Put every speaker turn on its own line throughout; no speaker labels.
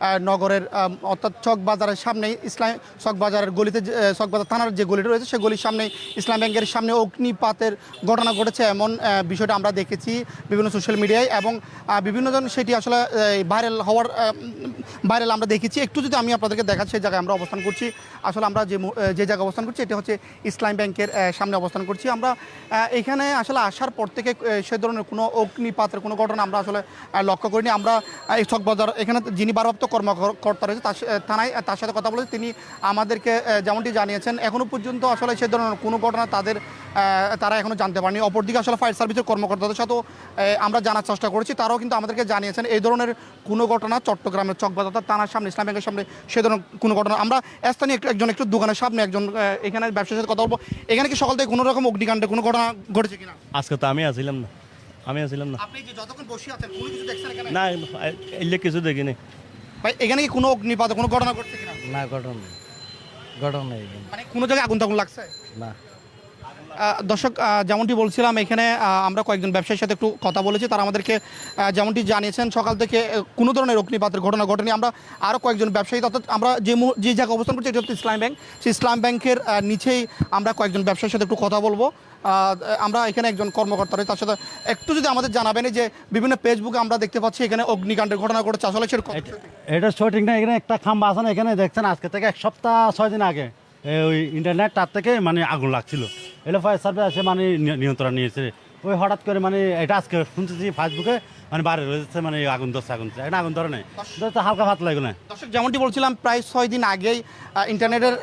নগরের অর্থাৎ চকবাজারের সামনেই চকবাজারের গলিতে চকবাজার থানার যে গলিটা রয়েছে সেই গলির সামনে ইসলাম ব্যাংকের সামনে অগ্নিপাতের ঘটনা ঘটেছে এমন বিষয়টা আমরা দেখেছি বিভিন্ন সোশ্যাল মিডিয়ায় এবং বিভিন্নজন সেটি আসলে ভাইরাল আমরা দেখেছি। একটু যদি আমি আপনাদেরকে দেখাচ্ছি সেই জায়গায় আমরা অবস্থান করছি। আসলে আমরা যে জায়গায় অবস্থান করছি এটা হচ্ছে ইসলাম ব্যাংকের সামনে অবস্থান করছি আমরা। এখানে আসলে আসার পর থেকে সে ধরনের কোনো অগ্নিপাতের কোনো ঘটনা আমরা আসলে লক্ষ্য করিনি। আমরা এই চকবাজার এখানে যিনি ভারপ্রাপ্ত কর্মকর্তা রয়েছে থানায় তার সাথে কথা বলেছি। তিনি আমাদেরকে যেমনটি জানিয়েছেন এখনও পর্যন্ত আসলে সে ধরনের কোনো ঘটনা তারা এখনও জানতে পারেনি। অপরদিকে আসলে ফায়ার সার্ভিসের কর্মকর্তাদের সাথেও আমরা জানার চেষ্টা করেছি, তারাও কিন্তু আমাদেরকে জানিয়েছেন এই ধরনের কোনো ঘটনা চট্টগ্রামের চকবাজার থানার সামনে ইসলাম ব্যাংকের সামনে সে ধরনের কোনো ঘটনা। আমরা স্থানীয় একটু দোকানের সামনে একজন এখানে ব্যবসার সাথে কথা বলবো। এখানে কি সকাল থেকে কোনো রকম অগ্নিকাণ্ডের কোনো ঘটনা ঘটেছে কিনা?
আজকে তো আমি আসছিলাম না।
আপনি যে যতক্ষণ বসে আছেন কোনো কিছু দেখছেন এখানে?
না, এলে কিছু দেখিনি।
ভাই এখানে কি কোনো অগ্নিপাত কোনো ঘটনা ঘটছে কিনা?
না, ঘটনা নেই।
মানে কোনো জায়গায় আগুন লাগছে
না।
দর্শক, যেমনটি বলছিলাম এখানে আমরা কয়েকজন ব্যবসায়ীর সাথে একটু কথা বলেছি। তারা আমাদেরকে যেমনটি জানিয়েছেন সকাল থেকে কোনো ধরনের অগ্নিপাতের ঘটনা ঘটেনি। আমরা আরও কয়েকজন ব্যবসায়ী অর্থাৎ আমরা যে জায়গায় অবস্থান করছি এটা হচ্ছে ইসলাম ব্যাংক। সেই ইসলাম ব্যাংকের নিচেই আমরা কয়েকজন ব্যবসায়ীর সাথে একটু কথা বলবো। আমরা এখানে একজন কর্মকর্তা রয়েছে, তার সাথে একটু যদি আমাদের জানাবেন যে বিভিন্ন ফেসবুকে আমরা দেখতে পাচ্ছি এখানে অগ্নিকাণ্ডের ঘটনা ঘটেছে, আসলে সেটা
এটা সঠিক না। এখানে একটা খাম্বা আছে না, এখানে দেখছেন আজকে থেকে 1 সপ্তাহ 6 দিন আগে ওই ইন্টারনেট তার থেকে মানে আগুন লাগছিল। এলো ফায়ার সার্ভিস এসে মানে নিয়ন্ত্রণ নিয়েছে। ওই হঠাৎ করে মানে এটা আজকে শুনতেছি ফেসবুকে মানে বাইরে রয়েছে মানে আগুন ধরছে এটা আগুন ধরে নেই, হালকা ভাত লাগলো না।
দর্শক, যেমনটি বলছিলাম প্রায় 6 দিন আগেই ইন্টারনেটের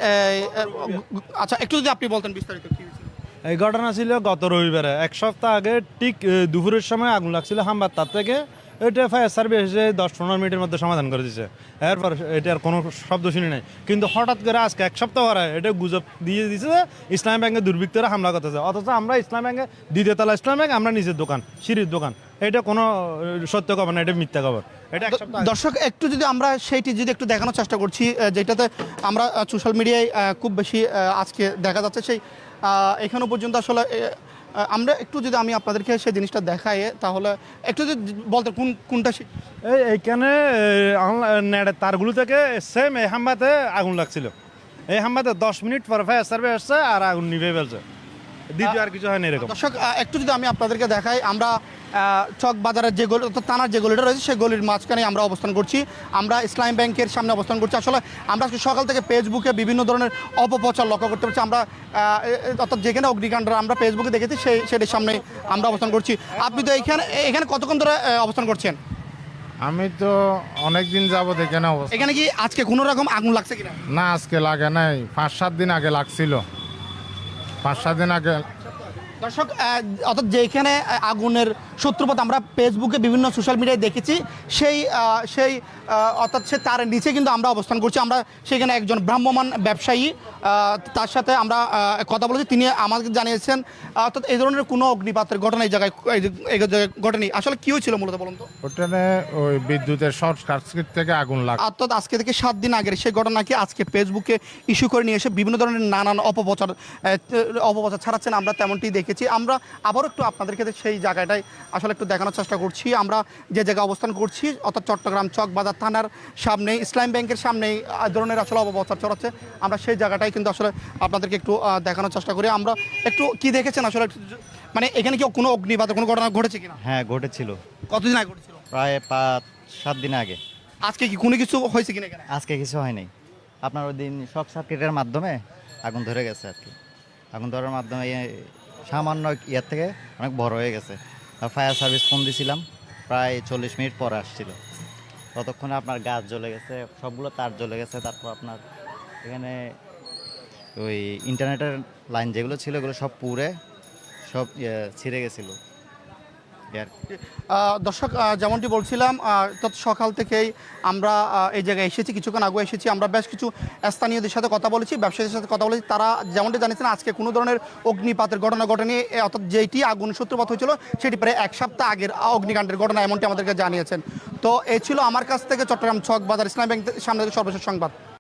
আচ্ছা একটু যদি আপনি বলতেন বিস্তারিত কি হয়েছিল?
এই ঘটনা ছিল গত রবিবারে 1 সপ্তাহ আগে ঠিক দুপুরের সময় আগুন লাগছিল হামবার তার থেকে। এটা ফায়ার সার্ভিস এসে 10-15 মিনিটের মধ্যে সমাধান করে দিচ্ছে। এরপর এটার কোনো শব্দ শুনি নাই, কিন্তু হঠাৎ করে আজকে 1 সপ্তাহ পরে এটা গুজব দিয়ে দিচ্ছে যে ইসলাম ব্যাংকে দুর্বৃত্তরা হামলা করতেছে, অথচ আমরা ইসলাম ব্যাংকে দ্বিতীয় তলা ইসলাম ব্যাংক, আমরা নিজের দোকান সিঁড়ির দোকান। এটা কোনো সত্য খবর না, এটা মিথ্যা খবর। এটা
দর্শক, একটু যদি আমরা সেইটি যদি একটু দেখানোর চেষ্টা করছি যেটাতে আমরা সোশ্যাল মিডিয়ায় খুব বেশি আজকে দেখা যাচ্ছে সেই এখনো পর্যন্ত আসলে আমরা একটু যদি আমি আপনাদেরকে সেই জিনিসটা দেখাই তাহলে একটু যদি বলতে কোনটা
এইখানে নেটের তারগুলো থেকে সেম এই হাম্বাতে আগুন লাগছিল। এই হাম্বাতে 10 মিনিট পর ফায়ার সার্ভিস আসছে আর আগুন নিভে ফেলছে, দ্বিতীয় আর কিছু হয়নি এরকম।
দর্শক, একটু যদি আমি আপনাদেরকে দেখাই, আমরা চকবাজারের যে গলি অর্থাৎ থানার যে গলিটা রয়েছে সেই গলির মাঝখানে আমরা অবস্থান করছি। আমরা ইসলাম ব্যাংকের সামনে অবস্থান করছি। আসলে আমরা সকাল থেকে ফেসবুকে বিভিন্ন ধরনের অপপ্রচার লক্ষ্য করতে পারছি। আমরা অর্থাৎ যেখানে অগ্নিকাণ্ড আমরা ফেসবুকে দেখেছি সেটির সামনে আমরা অবস্থান করছি। আপনি তো এখানে কতক্ষণ ধরে অবস্থান করছেন?
আমি তো অনেক দিন যাবত এখানে অবস্থা।
এখানে কি আজকে কোনো রকম আগুন লাগছে কিনা?
না, আজকে লাগে নাই, 5-7 দিন আগে লাগছিল, 5-7 দিন আগে।
দর্শক, অর্থাৎ যেখানে আগুনের সূত্রপাত আমরা ফেসবুকে বিভিন্ন সোশ্যাল মিডিয়ায় দেখেছি সেই অর্থাৎ সে তার নিচে কিন্তু আমরা অবস্থান করছি। আমরা সেখানে একজন ভ্রাম্যমাণ ব্যবসায়ী তার সাথে আমরা কথা বলেছি। তিনি আমাকে জানিয়েছেন অর্থাৎ এই ধরনের কোনো অগ্নিপাতের ঘটনা এই জায়গায় ঘটেনি। আসলে কী হয়েছিল মূলত বলুন তো?
ওখানে ওই বিদ্যুতের শর্ট সার্কিট থেকে আগুন লাগে।
অর্থাৎ আজকে থেকে 7 দিন আগের সেই ঘটনাকে আজকে ফেসবুকে ইস্যু করে নিয়ে এসে বিভিন্ন ধরনের নানান অপপ্রচার ছাড়াচ্ছেন, আমরা তেমনটি দেখেছি। আমরা আবারও একটু আপনাদেরকে সেই জায়গাটায় আসলে একটু দেখানোর চেষ্টা করছি। আমরা যে জায়গায় অবস্থান করছি অর্থাৎ চট্টগ্রাম চকবাজার থানার সামনে ইসলাম ব্যাংকের সামনেই ধরনের আসলে অপপ্রচার ছড়াচ্ছে। আমরা সেই জায়গাটাই কিন্তু আসলে আপনাদেরকে একটু দেখানোর চেষ্টা করি। আমরা একটু কি দেখেছেন আসলে, মানে এখানে কি কোনো অগ্নিপাতের কোনো ঘটনা ঘটেছে কিনা?
হ্যাঁ, ঘটেছিল।
কতদিন আগে ঘটেছিল?
প্রায় 5-7 দিন আগে।
আজকে কি কোনো কিছু হয়েছে কিনা এখানে?
আজকে কিছু হয় নাই। আপনার ওই দিন শর্ট সার্কিটের মাধ্যমে আগুন ধরে গেছে আর কি। আগুন ধরার মাধ্যমে সামান্য ইয়ার থেকে অনেক বড় হয়ে গেছে। ফায়ার সার্ভিস ফোন দিয়েছিলাম, প্রায় 40 মিনিট পরে আসছিল। ততক্ষণে আপনার গাছ জ্বলে গেছে, সবগুলো তার জ্বলে গেছে। তারপর আপনার এখানে ওই ইন্টারনেটের লাইন যেগুলো ছিল এগুলো সব পুড়ে সব ছিঁড়ে গেছিলো।
দর্শক, যেমনটি বলছিলাম তত সকাল থেকেই আমরা এই জায়গায় এসেছি, কিছুক্ষণ আগে এসেছি। আমরা বেশ কিছু স্থানীয়দের সাথে কথা বলেছি, ব্যবসায়ীদের সাথে কথা বলেছি। তারা যেমনটি জানিয়েছেন আজকে কোনো ধরনের অগ্নিপাতের ঘটনা ঘটেনি, অর্থাৎ যেটি আগুন সূত্রপাত হয়েছিল সেটি প্রায় 1 সপ্তাহ আগের অগ্নিকাণ্ডের ঘটনা, এমনটি আমাদেরকে জানিয়েছেন। তো এই ছিল আমার কাছ থেকে চট্টগ্রাম চকবাজার ইসলাম ব্যাংকের সামনে সর্বশেষ সংবাদ।